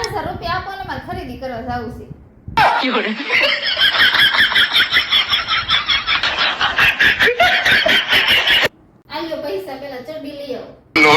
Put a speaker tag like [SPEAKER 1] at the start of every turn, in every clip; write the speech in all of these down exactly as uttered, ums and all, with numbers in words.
[SPEAKER 1] પાંચસો રૂપિયા આપો ને મારે ખરીદી કરવા જાવું છે. આલ્યો પૈસા પેલા ચડડી લઈ આવો.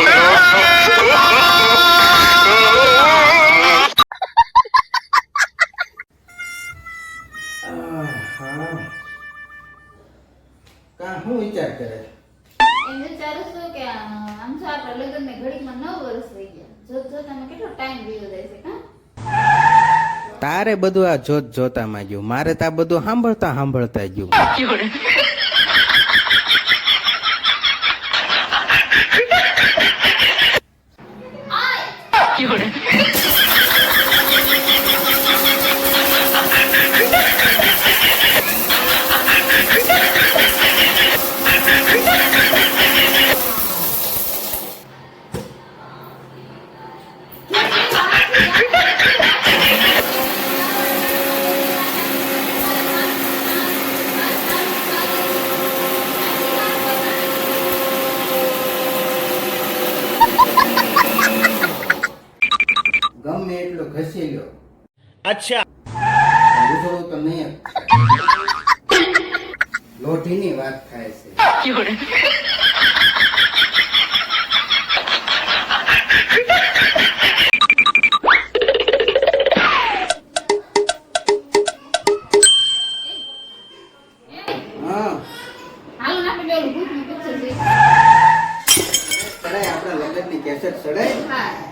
[SPEAKER 2] કા હું વિચાર કરે
[SPEAKER 1] એમ વિચારું છું કે આમ તો આપણા લગ્ન ને ઘડીમાં નવ વર્ષ થઈ ગયા. જોત જોતામાં કેટલો ટાઈમ વીતો જાય છે. કા
[SPEAKER 2] તારે બધું આ જોત જોતામાં ગયું, મારે તો આ બધું સાંભળતા સાંભળતા ગયું. ગમે એટલો ઘસી લ્યો.
[SPEAKER 3] અચ્છા
[SPEAKER 2] ઉજળું તો નહીં લોઢીની વાત થાય છે. હા
[SPEAKER 1] હાલો ને આપણે પેલું ભૂતનું પિક્ચર જોઈએ.
[SPEAKER 2] કરાય આપણા લગ્નની કેસેટ ચડાય.
[SPEAKER 1] હા